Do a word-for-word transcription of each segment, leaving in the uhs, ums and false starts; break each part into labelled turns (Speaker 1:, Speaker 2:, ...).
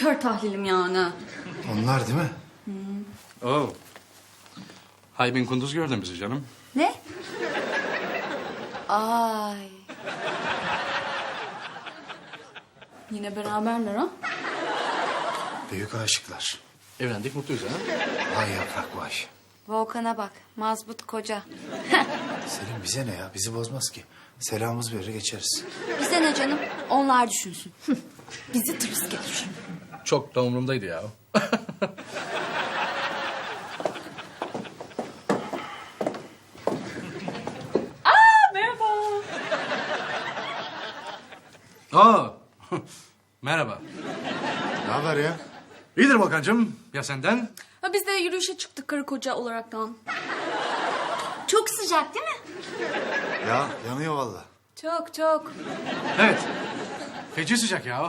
Speaker 1: kör tahlilim yani.
Speaker 2: Onlar değil mi?
Speaker 3: Oo. Haybin Kunduz gördün bizi canım.
Speaker 1: Ne? Ay. Yine beraberler ha?
Speaker 2: Büyük aşıklar.
Speaker 3: Evlendik, mutluyuz ha.
Speaker 2: Vay yaprak vay.
Speaker 1: Volkan'a bak. Mazbut koca.
Speaker 2: Selim bize ne ya? Bizi bozmaz ki. Selamımız verir geçeriz.
Speaker 1: Bize ne canım? Onlar düşünsün. Bizi tırıs gelir.
Speaker 3: Çok da umurumdaydı ya.
Speaker 1: Merhaba.
Speaker 3: Aa. Merhaba.
Speaker 2: Ne haber ya?
Speaker 3: İyidir Volkan'cığım. Ya senden?
Speaker 1: Ha, biz de yürüyüşe çıktık karı koca olaraktan. Çok sıcak değil mi?
Speaker 2: Ya yanıyor vallahi.
Speaker 1: Çok çok.
Speaker 3: Evet. Feci sıcak ya.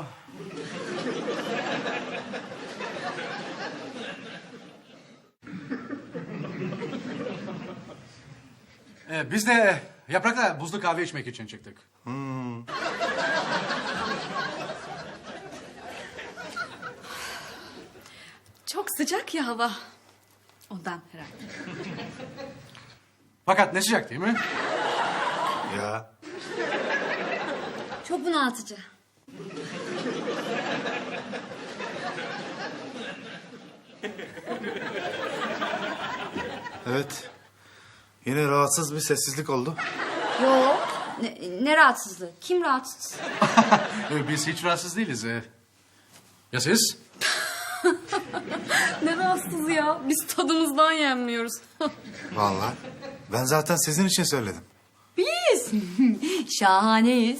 Speaker 3: Ee, biz de Yaprak'la buzlu kahve içmek için çıktık.
Speaker 1: Çok sıcak ya hava. Ondan herhalde.
Speaker 3: Fakat ne sıcak değil mi?
Speaker 2: Ya
Speaker 1: Çok bunaltıcı.
Speaker 2: evet. Yine rahatsız bir sessizlik oldu.
Speaker 1: Yo. Ne, ne rahatsızlığı? Kim rahatsız?
Speaker 3: Ee, biz hiç rahatsız değiliz. Ee. Ya siz?
Speaker 1: Ne rahatsız ya? Biz tadımızdan yenmiyoruz.
Speaker 2: Vallahi. Ben zaten sizin için söyledim.
Speaker 1: Biz şahaneyiz.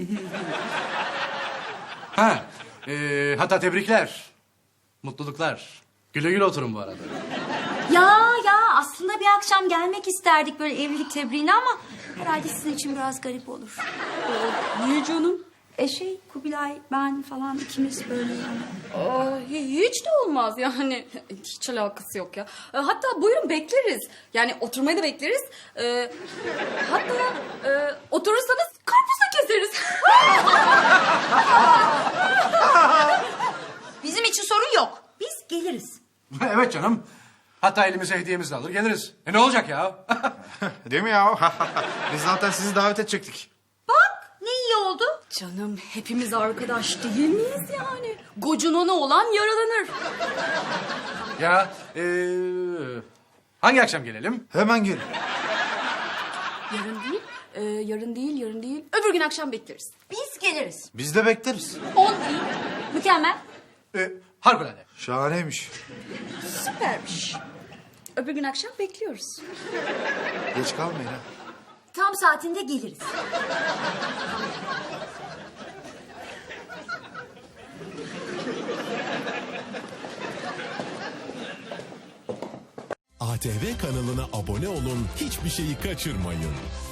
Speaker 3: Ha, ee, hatta tebrikler. Mutluluklar. Güle güle oturun bu arada.
Speaker 1: Ya ya aslında bir akşam gelmek isterdik böyle evlilik tebriğine ama herhalde sizin için biraz garip olur. Niye canım? E şey Kubilay ben falan ikimiz böyle yani. Aa, hiç de olmaz yani. Hiç alakası yok ya. E, Hatta buyurun bekleriz. Yani oturmayı da bekleriz. E, hatta e, oturursanız karpuz da keseriz. Bizim için sorun yok. Biz geliriz.
Speaker 3: Evet canım. Hatta elimize hediyemizi de alır geliriz. E ne olacak ya?
Speaker 2: Değil mi ya? Biz zaten sizi davet edecektik.
Speaker 1: Bak ne iyi oldu. Canım hepimiz arkadaş değil miyiz yani? Gocunona olan yaralanır.
Speaker 3: Ya ee, hangi akşam gelelim?
Speaker 2: Hemen gel.
Speaker 1: Yarın değil, e, yarın değil, yarın değil. Öbür gün akşam bekleriz. Biz geliriz.
Speaker 2: Biz de bekleriz.
Speaker 1: On değil. Mükemmel.
Speaker 3: Ee, harikulade.
Speaker 2: Şahaneymiş.
Speaker 1: Süpermiş. Öbür gün akşam bekliyoruz.
Speaker 2: Geç kalmayın ha.
Speaker 1: Tam saatinde geliriz.
Speaker 4: A T V kanalına abone olun, hiçbir şeyi kaçırmayın.